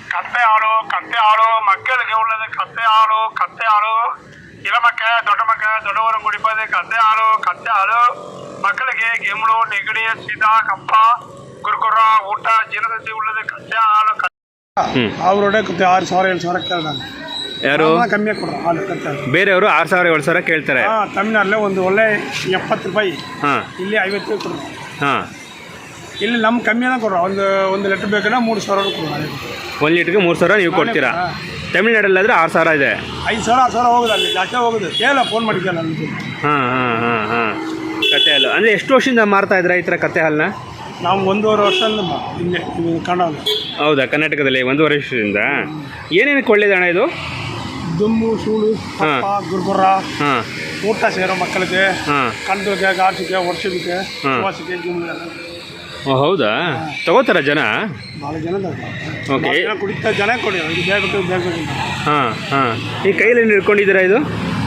ಕತ್ತೆ ಹಾಲು ಮಕ್ಕಳಿಗೆ ಒಳ್ಳೆದು. ಕತ್ತೆ ಹಾಲು ಇಳಮಕ್ಕೆ ದೊಡ್ಡವರು ಕುಡಿಪದೆ. ಕತ್ತೆ ಹಾಲು ಮಕ್ಕಳಿಗೆ ಗೆಮ್ಳು, ನೆಗಡಿ, ಶೀತ, ಕಪ್ಪ, ಕುರ್ಕುರ, ಊಟ, ಜೀರ್ಣಶಕ್ತಿ ಉಳ್ಳದು. ಕತ್ತೆ ಹಾಲು ಅವರೋட 6,000 7,000 ಕೇಳ್ದಂಗೆ. ಯಾರು ಕಮ್ಮಿ ಕೊಡ್ರು ಹಾಲು ಕತ್ತೆ. ಬೇರೆಯವರು 6,000 7,000 ಕೇಳ್ತಾರೆ. ತಮಿಳ್ನಾಡಲ್ಲೇ ಒಂದು ಒಳ್ಳೆ 70 ರೂಪಾಯಿ, ಇಲ್ಲಿ 50 ರೂಪಾಯಿ ಕೊಡ್ರು. ಇಲ್ಲಿ ನಮ್ಮ ಕಮ್ಮಿನ ಕೊಡ್ರು. ಒಂದು ಲೀಟ್ರ್ ಬೇಕಂದ್ರೆ 3,000 ಕೊಡ್ರು. 1 ಲೀಟ್ರಿಗೆ 3,000 ನೀವು ಕೊಡ್ತೀರಾ? ತಮಿಳ್ನಾಡಲ್ಲಾದರೆ 6,000 ಇದೆ. 5,000 6,000 ಹೋಗೋದು, ಅಲ್ಲಿ ಜಾಸ್ತಿ ಹೋಗೋದು. ಕೇಳ ಫೋನ್ ಮಾಡಿದ್ದಲ್ಲ ನನಗೆ. ಕತ್ತೆ ಹಾಲು ಅಂದರೆ ಎಷ್ಟು ವರ್ಷದಿಂದ ಮಾರ್ತಾ ಇದ್ದೀರಾ ಈ ಥರ ಕತ್ತೆ ಹಾಲನ್ನ? ನಾವು 1.5 ವರ್ಷದಿಂದ ಇಲ್ಲೇ ಕನ್ನಡ. ಹೌದಾ, ಕರ್ನಾಟಕದಲ್ಲಿ 1.5 ವರ್ಷದಿಂದ. ಏನೇನಕ್ಕೆ ಒಳ್ಳೇದಣ್ಣ ಇದು? ದುಮ್ಮು, ಸೂಳು, ಗುರ್ಗುರ, ಊಟ ಸೇರೋ ಮಕ್ಕಳಿಗೆ, ಕಂದಕ್ಕೆ, ಗಾಸಿಗೆ, ವರ್ಷಕ್ಕೆ, ವಾಸಿಗೆ, ಹೌದಾ? ತಗೋತಾರ ಜನ? ಭಾಳ ಜನ ಓಕೆ. ಕುಡಿತಾ ಜನ ಕೊಡಿ ಬೇಗ. ಈ ಕೈಯಲ್ಲಿ ಹಿಡ್ಕೊಂಡಿದ್ದೀರಾ ಇದು?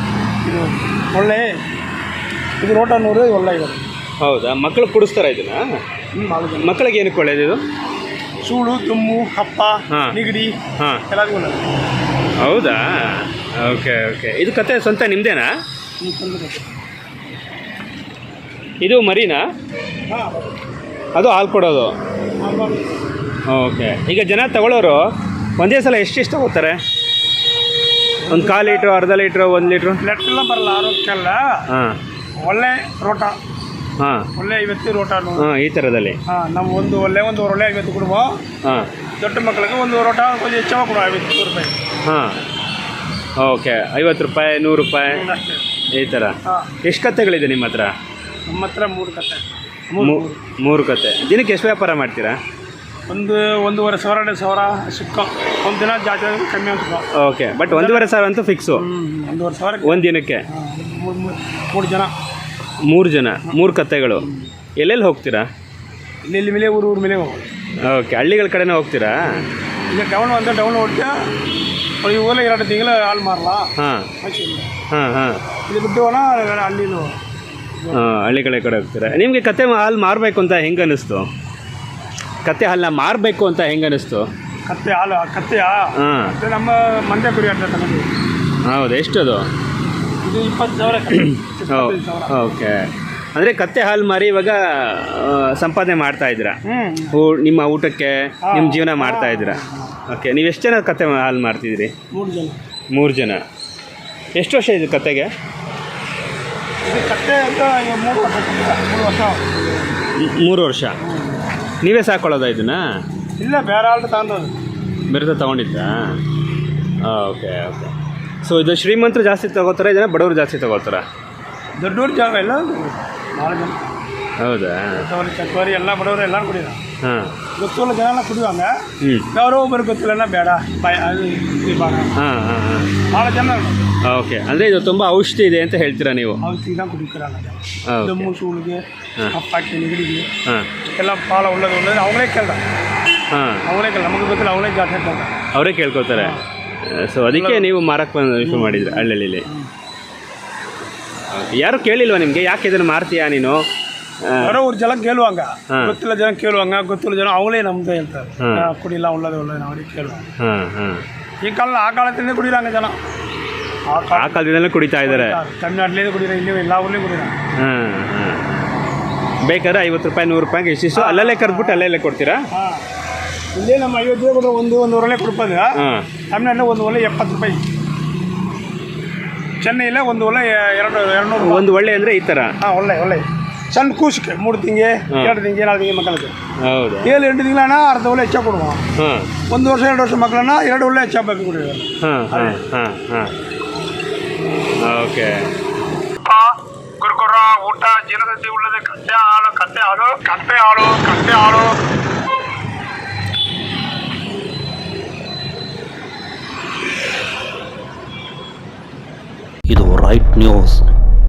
ಇದು ರೋಟ 100 ಒಳ್ಳೆ ಇದೆ. ಹೌದಾ? ಮಕ್ಕಳು ಕುಡಿಸ್ತಾರ ಇದನ್ನ? ಮಕ್ಕಳಿಗೆ ಏನಕ್ಕೆ ಒಳ್ಳೇದು ಇದು? ಸೂಳು, ತುಮ್ಮು, ಕಪ್ಪ, ನೆಗಡಿ ಎಲ್ಲರಿಗೂ ಒಳ್ಳೆಯದು. ಹೌದಾ? ಓಕೆ. ಇದು ಕತೆ ಸ್ವಂತ ನಿಮ್ಮದೇನಾ? ಇದು ಮರಿನಾ? ಅದು ಹಾಲು ಕೊಡೋದು? ಓಕೆ. ಈಗ ಜನ ತಗೊಳ್ಳೋರು ಒಂದೇ ಸಲ ಎಷ್ಟು ತಗೋತಾರೆ? ಒಂದು 1/4 ಲೀಟ್ರು, ಅರ್ಧ ಲೀಟ್ರು, 1 ಲೀಟ್ರು? ಲೆಟ್ಟೆಲ್ಲ ಬರಲ್ಲ ಆರೋಗ್ಯಕ್ಕೆಲ್ಲ. ಒಳ್ಳೆ ರೋಟ, ಒಳ್ಳೆ 50 ರೋಟ. ಈ ಥರದಲ್ಲಿ ನಾವು ಒಂದು ಒಳ್ಳೆ 50 ಕೊಡುವ. ದೊಡ್ಡ ಮಕ್ಕಳಿಗೆ ಒಂದು ರೋಟ ಕೊಂಚ ಹೆಚ್ಚಾಗಿ ಕೊಡುವ, 50 ರೂಪಾಯಿ. ಓಕೆ. 50 ರೂಪಾಯಿ, 100 ರೂಪಾಯಿ ಈ ಥರ. ಎಷ್ಟು ಕತ್ತೆಗಳಿದೆ ನಿಮ್ಮ ಹತ್ರ? ನಮ್ಮ ಹತ್ರ 3 ಕತ್ತೆ. 3 ಕತ್ತೆ. ದಿನಕ್ಕೆ ಎಷ್ಟು ವ್ಯಾಪಾರ ಮಾಡ್ತೀರಾ? 1,500 2,000 ಸಿಕ್ಕ. ಒಂದು ದಿನ ಜಾಸ್ತಿ ಕಮ್ಮಿ ಸಿಕ್ಕ. ಓಕೆ. ಬಟ್ 1,500 ಅಂತೂ ಫಿಕ್ಸು? 1,500 ಒಂದು ದಿನಕ್ಕೆ. 3 ಜನ. 3 ಜನ, 3 ಕತ್ತೆಗಳು. ಎಲ್ಲೆಲ್ಲಿ ಹೋಗ್ತೀರಾ? ಇಲ್ಲಿ ಮೇಲೆ ಊರು ಮೇಲೆ ಹೋಗೋದು. ಓಕೆ. ಹಳ್ಳಿಗಳ ಕಡೆನೇ ಹೋಗ್ತೀರಾ? ಈಗ ಟೌನ್ ಹೊಡ್ತೀಯ. ಈ ಊರಲ್ಲಿ 2 ತಿಂಗಳು ಹಾಲು ಮಾರಲ್ಲ. ಇದು ಬಿಟ್ಟು ಹಳ್ಳಿಲು ಹಳ್ಳಿಗಳ ಕಡೆ ಹೋಗ್ತೀರಾ. ನಿಮಗೆ ಕತ್ತೆ ಹಾಲು ಮಾರಬೇಕು ಅಂತ ಹೆಂಗೆ ಅನ್ನಿಸ್ತು? ಕತ್ತೆ ಹಾಲನ್ನ ಮಾರಬೇಕು ಅಂತ ಹೆಂಗೆ ಅನ್ನಿಸ್ತು? ಕತ್ತೆಯ ನಮ್ಮ ಮಂಡ್ಯ ಕುರಿ ಅಂತ ನಮಗೆ. ಹೌದು. ಎಷ್ಟದು? ಇದು 20,000. ಓಕೆ. ಅಂದರೆ ಕತ್ತೆ ಹಾಲು ಮಾರಿ ಇವಾಗ ಸಂಪಾದನೆ ಮಾಡ್ತಾ ಇದ್ದೀರಾ? ನಿಮ್ಮ ಊಟಕ್ಕೆ ನಿಮ್ಮ ಜೀವನ ಮಾಡ್ತಾ ಇದ್ದೀರಾ? ಓಕೆ. ನೀವು ಎಷ್ಟು ಜನ ಕತ್ತೆ ಹಾಲು ಮಾರ್ತಿದ್ದೀರಿ? 3 ಜನ. ಎಷ್ಟು ವರ್ಷ ಇದು ಕತ್ತೆಗೆ? ಕತ್ತೆ ಅಂತ 3 ವರ್ಷ. ನೀವೇ ಸಾಕೊಳ್ಳೋದಾ ಇದನ್ನ? ಇಲ್ಲ, ಬೇರೆ ಆಳ್ದು ತಗೊಂಡೋದು. ಬೇರೆ ತಗೊಂಡಿದ್ದಾ? ಓಕೆ. ಸೊ ಇದು ಶ್ರೀಮಂತರು ಜಾಸ್ತಿ ತಗೋತಾರೆ, ಇದನ್ನ ಬಡವರು ಜಾಸ್ತಿ ತಗೋತಾರ? ದೊಡ್ಡವ್ರ ಜಾಗ ಎಲ್ಲ ಭಾಳ ಜನ. ಹೌದಾ? ಚಕ್ಕೋರಿ ಎಲ್ಲ ಬಡವರು ಎಲ್ಲ ಕುಡಿಯೋಣ. ಗೊತ್ತಿಲ್ಲ ಜನ ಎಲ್ಲ ಕುಡಿಯುವಂಗ. ಯಾರೋ ಒಬ್ಬರು ಗೊತ್ತಿಲ್ಲ ಬೇಡ ಭಾಳ ಜನ. ಓಕೆ. ಅಂದರೆ ಇದು ತುಂಬ ಔಷಧಿ ಇದೆ ಅಂತ ಹೇಳ್ತೀರಾ ನೀವು? ಔಷಧಿನ ಕುಡಿತಾರಲ್ಲ. ದಮ್ಮು, ಸೂಳಿಗೆ, ಕಪ್ಪಾಕಿ, ನೆಗಡಿಗೆ ಎಲ್ಲ ಭಾಳ ಒಳ್ಳೇದು. ಅವங்களೇ ಕೇಳ್ದ. ನಮಗೆ ಗೊತ್ತಿಲ್ಲ, ಅವಳೇ ಜಾಸ್ತಿ ಕೇಳ್ದ. ಅವರೇ ಕೇಳ್ಕೊತಾರೆ. ಸೊ ಅದಕ್ಕೆ ನೀವು ಮಾರಕ್ಕೆ ಶುರು ಮಾಡಿದ್ರಿ ಹಳ್ಳಿಯಲ್ಲಿ? ಯಾರು ಕೇಳಿಲ್ವಾ ನಿಮಗೆ? ಯಾಕೆ ಇದನ್ನು ಮಾರ್ತೀಯಾ ನೀನು? ಯಾರೋ ಅವ್ರ ಜನ ಕೇಳುವಂಗ, ಗೊತ್ತಿಲ್ಲ ಜನ ಕೇಳುವಂಗ, ಗೊತ್ತಿಲ್ಲ ಜನ ಅವಳೇ ನಮ್ದು ಹೇಳ್ತಾರೆ. ಕುಡಿಲ್ಲ, ಒಳ್ಳೇದು ಅವ್ರಿಗೆ ಕೇಳುವ. ಈ ಕಾಲ ಆ ಕಾಲದಿಂದ ಕುಡಿರಂಗ ಜನ. ಆ ಕಾಲದಿಂದಲೇ ಕುಡಿತಾ ಇದ್ದಾರೆ. ತಮಿಳ್ನಾಡಲ್ಲಿ ಕುಡಿರ, ಇಲ್ಲಿ ಎಲ್ಲ ಊರ್ಲಿ ಕುಡಿರ. ಬೇಕಾದ್ರೆ 50 ರೂಪಾಯಿ 100 ರೂಪಾಯಿಗೆ ಇಷ್ಟಿಷ್ಟು ಅಲ್ಲಲ್ಲೇ ಕರೆದ್ಬಿಟ್ಟು ಅಲ್ಲೇ ಕೊಡ್ತೀರಾ? ಇಲ್ಲೇ ನಮ್ಮ 50 ರೂಪಾಯಿ ಕೊಟ್ಟರೆ 1 ಒಳ್ಳೆ ಕೊಡ್ಬೋದು. ತಮಿಳ್ನಾಡಲ್ಲಿ 1 ಒಳ್ಳೆ 70 ರೂಪಾಯಿ. ಚೆನ್ನೈಯಲ್ಲೇ 1 ಒಳ್ಳೆ 200. 1 ಒಳ್ಳೆ ಅಂದರೆ ಈ ಥರ? ಒಳ್ಳೆ ಸಣ್ಣ ಕೂಸಿಗೆ 3 ತಿಂಗೆ 2 ತಿಂಗೆ 4 ತಿಂಗೆ ಮಕ್ಕಳಿಗೆ. ಹೌದು. 7-8 ತಿಂಗಳನ್ನ ಅರ್ಧ ಒಳ್ಳೆ ಹೆಚ್ಚಾಗಿ ಕೊಡುವ. 1 ವರ್ಷ 2 ವರ್ಷ ಮಕ್ಕಳನ್ನ 2 ಒಳ್ಳೆ ಹೆಚ್ಚಾಗಬೇಕು ಕುಡಿಯೋದು. ಓಕೆ. ಕುರ್ಕುರ, ಊಟ, ಜೀರ್ಣಶಕ್ತಿ ಉಳ್ಳದು. ಕತ್ತೆ ಹಾಲು. ಇದು ರೈಟ್ ನ್ಯೂಸ್.